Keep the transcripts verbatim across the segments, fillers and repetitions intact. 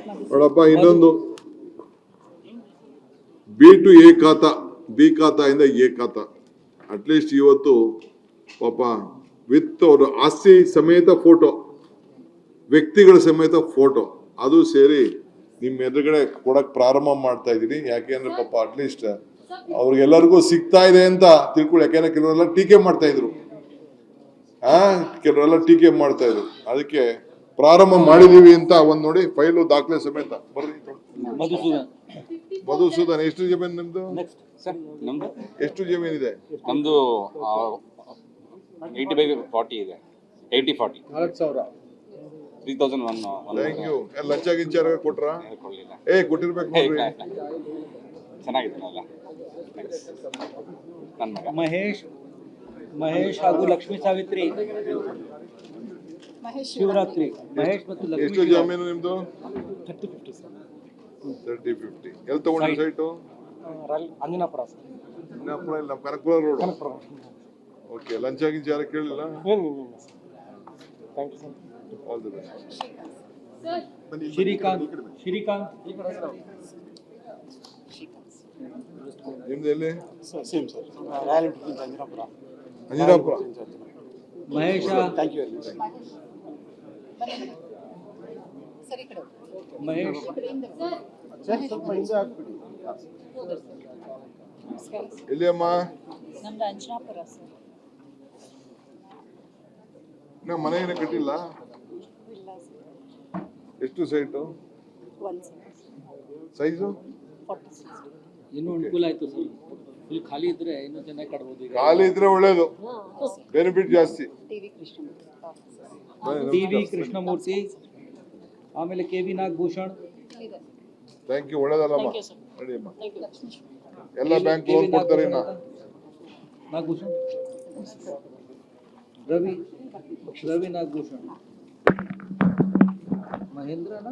ನೋಡಪ್ಪ ಇನ್ನೊಂದು B to A khata B ಖಾತಾಯಿಂದ ಎ ಖಾತಾ ಅಟ್ಲೀಸ್ಟ್ ಇವತ್ತು ಪಾಪ ವಿತ್ ಅವ್ರ ಆಸ್ತಿ ಸಮೇತ ಫೋಟೋ ವ್ಯಕ್ತಿಗಳ ಸಮೇತ ಫೋಟೋ ಅದು ಸೇರಿ ನಿಮ್ಮ ಎದುರುಗಡೆ ಕೊಡಕ್ ಪ್ರಾರಂಭ ಮಾಡ್ತಾ ಇದೀನಿ. ಯಾಕೆಂದ್ರೆ ಪಾಪ ಅಟ್ಲೀಸ್ಟ್ ಅವ್ರಿಗೆಲ್ಲರಿಗೂ ಸಿಗ್ತಾ ಇದೆ ಅಂತ ತಿಳ್ಕೊಳ್ಳಿ. ಯಾಕೆಂದ್ರೆ ಕೆಲವರೆಲ್ಲ ಟೀಕೆ ಮಾಡ್ತಾ ಇದ್ರು ಆ ಕೆಲವರೆಲ್ಲ ಟೀಕೆ ಮಾಡ್ತಾ ಇದ್ರು. ಅದಕ್ಕೆ ಪ್ರಾರಂಭ ಮಾಡಿದೀವಿ ಅಂತ ಒಂದ್ ನೋಡಿ ಫೈಲು ದಾಖಲೆ ಸಮೇತ ಬರ್ರಿ. ಮಧುಸೂದನ್ ಎಷ್ಟು ಜಮೀನು ನಿಮ್ದು? ಎಷ್ಟು ಜಮೀನ್ ಇದೆ? ನಮ್ದು ಏಯ್ಟಿ ಬೈ ಫಾರ್ಟಿ ಇದೆ. Eighty forty three thousand one. Thank you. ಲಂಚ ಗಿಂಚಾರ ಕೊಟ್ರ? ಕೊಡ್ಲಿಲ್ಲ. ಏ ಕೊಟ್ಟಿರ್ಬೇಕು ನೋಡ್ರಿ. ಚೆನ್ನಾಗಿದ್ದಾನಲ್ಲ ನನ್ನ ಮಗ ಮಹೇಶ್ ಮಹೇಶ್ ಹಾಗೂ ಲಕ್ಷ್ಮೀ ಸಾವಿತ್ರಿ ಶಿವರಾತ್ರಿ ಮಹೇಶ್ ಮತ್ತು ಲಕ್ಷ್ಮೀ. ಎಷ್ಟು ಜಮೀನು ನಿಮ್ದು? Thirty fifty. ಎಲ್ಲಿ ತಗೊಂಡ್ರಿ ಸೈಟು? ಅಂಜನಾಪುರ. ಅಂಜನಾಪುರ ಇಲ್ಲ, ಕನಕಪುರ ರೋಡ್. ಓಕೆ. ಲಂಚ ಗಿಂಚಾರ ಕೇಳಿಲ್ಲ? All the best. Srikanth Srikanth ನಿಮ್ದು ಎಲ್ಲಿ? Same sir, Royal Enfield Anjanapura. Anjanapura. Mahesha thank you. Mahesh ಸ್ವಲ್ಪ ಹಿಂದೆ ಹಾಕ್ಬಿಡಿ. ಎಲ್ಲಿ ಅಮ್ಮ? ನಮ್ದು ಅಂಜನಾಪುರ ಸರ್. ನಾ ಮನೆ ಏನು ಕಟ್ಟಿಲ್ಲ. ಇಲ್ಲ ಸರ್. ಎಷ್ಟು site? One sir. Size? Forty six. ಇನ್ನೂ ಅನುಕೂಲ ಆಯ್ತು ಸರ್. ಫುಲ್ ಖಾಲಿ ಇದ್ರೆ ಇನ್ನೂ ಚೆನ್ನಾಗಿ ಕಟ್ಬೋದು. ಈಗ ಖಾಲಿ ಇದ್ರೆ ಒಳ್ಳೇದು, ಬೆನಿಫಿಟ್ ಜಾಸ್ತಿ. TV Krishnamurthy. T V Krishnamurthy, ಆಮೇಲೆ K V Nagabhushan. Thank you. ಒಳ್ಳೇದಲ್ಲಮ್ಮ. ನಡಿಯಮ್ಮ. ಎಲ್ಲ ಬ್ಯಾಂಕ್ ಕೆ ಲೋನ್ ವಿ ಕೊಡ್ತಾರೆ. ನಾ ನಾಗಭೂಷಣ್ ರವಿ ರವಿ ನಾಗಭೂಷಣ್ ಮಹೇಂದ್ರನ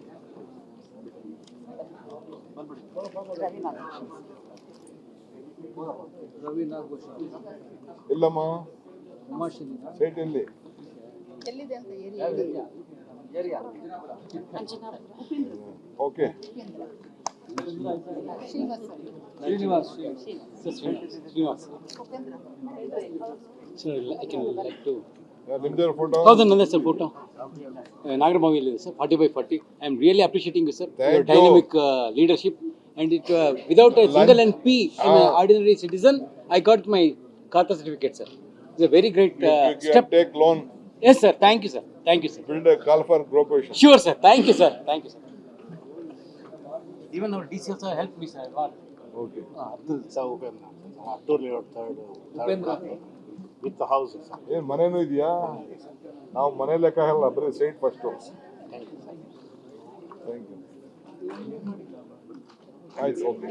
ರವಿ ನಾಗಭೂಷಣ್. ಇಲ್ಲಮ್ಮ. ಉಮಾಶ್ರೀ ಸೈಟ್ ಎಲ್ಲಿ? ಎಲ್ಲಿದೆ ಅಂತ area? Anjanapura. Okay. Srinivas Srinivas Srinivas Upendra. Sir I can like to ನಿಮ್ದೇ ಫೋಟೋ? ಹೌದು, ನಂದೇ ಸರ್ ಫೋಟೋ. ನಾಗರಭಾವಿಯಲ್ಲಿದೆ sir. Forty by forty. I am really appreciating you sir, your dynamic leadership, and it uh, without a single N P, I'm an ordinary citizen, I got my Khata certificate, sir. It's a very great uh, You can step. take loan, Yes sir, thank you sir, thank you sir. build a call for corporation. Sure sir, thank you sir, thank you sir. Even our D C also helped me sir. Okay. Abdul Saub, Tour layout third, Upendra. with the houses. ಏನ್ ಮನೇನು ಇದೆಯಾ? ನಾವು ಮನೆ ಲೆಕ್ಕ ಹಾಕಲ್ಲ, ಬರೀ site first. Thank you. Thank you. ಆಯ್ತು. Okay.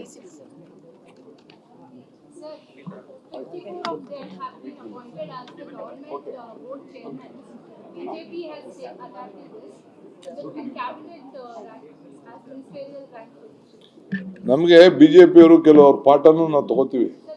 Sir, fifty-four of them have been appointed as the government uh, board chairmen. B J P has uh, adapted this. The cabinet uh, rank as ministerial rank. ನಮಗೆ BJP ಅವರು ಕೆಲವರು ಪಾಠನು ನಾವು ತಗೋತೀವಿ.